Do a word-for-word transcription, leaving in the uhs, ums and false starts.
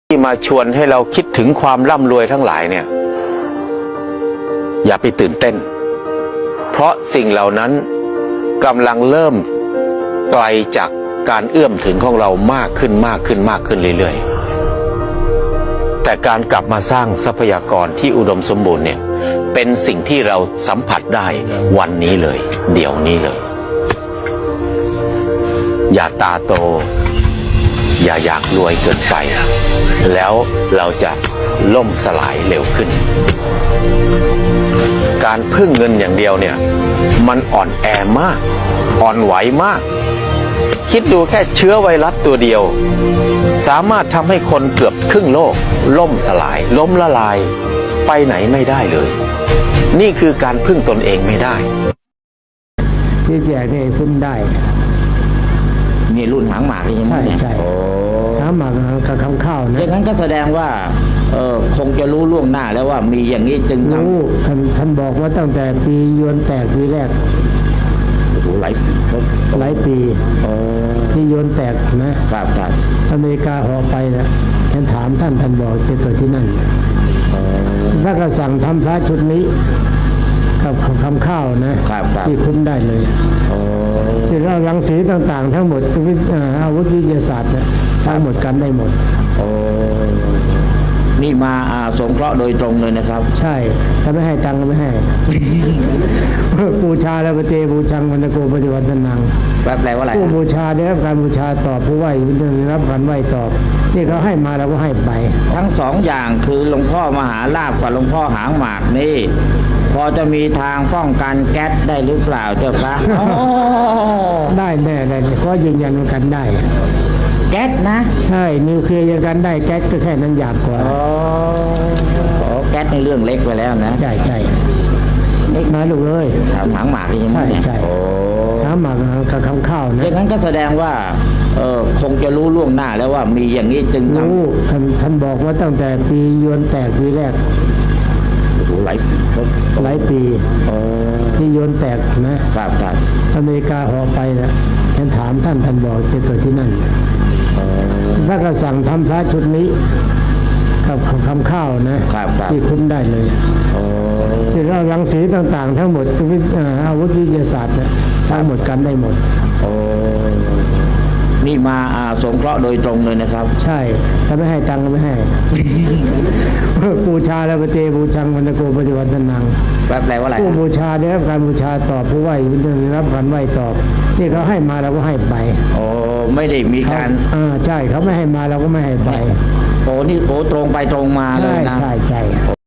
ที่มาชวนให้เราคิดถึงความร่ำรวยทั้งหลายเนี่ยอย่าไปตื่นเต้นเพราะสิ่งเหล่านั้นกำลังเริ่มไกลจากการเอื้อมถึงของเรามากขึ้นมากขึ้นมากขึ้นเรื่อยๆแต่การกลับมาสร้างทรัพยากรที่อุดมสมบูรณ์เนี่ยเป็นสิ่งที่เราสัมผัสได้วันนี้เลยเดี๋ยวนี้เลยอย่าตาโตอย่าอยากรวยเกินไปแล้วเราจะล่มสลายเร็วขึ้นการพึ่งเงินอย่างเดียวเนี่ยมันอ่อนแอมากอ่อนไหวมากคิดดูแค่เชื้อไวรัสตัวเดียวสามารถทำให้คนเกือบครึ่งโลกล่มสลายล้มละลายไปไหนไม่ได้เลยนี่คือการพึ่งตนเองไม่ได้ที่แจกนี่คุ้มได้นี่รุ่นหางหมากใช่ไหมใช่ใช่หางหมากกับคำข้าวนะอย่างนั้นก็แสดงว่าเออคงจะรู้ล่วงหน้าแล้วว่ามีอย่างนี้จึงทำรู้ท่านท่านบอกว่าตั้งแต่ปียวนแตกปีแรกโอ้โหหลายหลายปีที่ยวนแตกนะครับครับอเมริกาห่อไปนะฉันถามท่านท่านบอกจะเกิดที่นั่นถ้าก็สั่งทำพระชุดนี้กับคำข้าวนะที่คุ้มได้เลยที่เรารังสีต่างๆทั้งหมดอาวุธวิทยาศาสตร์นะทั้งหมดกันได้หมดนี่มาอาสงเคราะห์โดยตรงเลยนะครับใช่ถ้าไม่ให้ตังค์ก็ไม่ให้บูชาแล้วปฏิบูชังวันโกปฏิวัตินังแปลว่าอะไรผู้บูชาได้รับการบูชาตอบผู้ไหว้ได้รับการไหว้ตอบที่เขาให้มาเราก็ให้ไปทั้งสองอย่างคือหลวงพ่อมหาลาภกับหลวงพ่อหางหมากนี่พอจะมีทางป้องกันแก๊สได้หรือเปล่าเจ้าคะได้แน่ได้เพราะยืนยันกันได้แก๊สนะใช่นิวเคลียร์ยังกันได้แก๊สก็แค่นั้นหยาบกว่าอ๋อแก๊สในเรื่องเล็กไปแล้วนะใช่ใช่เล็กน้อยลูกเอ้ยหางหมากใช่ไหมใช่ใช่หางหมากกับคำข้าวนะอย่างนั้นก็แสดงว่าเออคงจะรู้ล่วงหน้าแล้วว่ามีอย่างนี้จึงรู้ท่านท่านบอกว่าตั้งแต่ปียวนแตกปีแรกหลายหลายปีที่ยวนแตกนะครับครับอเมริกาห่อไปนะฉันถามท่านท่านบอกจะเกิดที่นั่นถ้าก็สั่งทำพระชุดนี้กับคำข้าวนะที่คุ้มได้เลยที่เรารังสีต่างๆทั้งหมดอาวุธวิทยาศาสตร์นะทั้งหมดกันได้หมดนี่มาอาสงเคราะห์โดยตรงเลยนะครับใช่ถ้าไม่ให้ตังค์ก็ไม่ให้บูชาแล้วปฏิบูชังวันโกปฏิวัตินังแปลว่าอะไรผู้บูชาได้รับการบูชาตอบผู้ไหว้ได้รับการไหว้ตอบที่เขาให้มาเราก็ให้ไปโอ้ไม่ได้มีการอ่าใช่เขาไม่ให้มาเราก็ไม่ให้ไปโอ้นี่โอ้ตรงไปตรงมาเลยนะใช่ใช่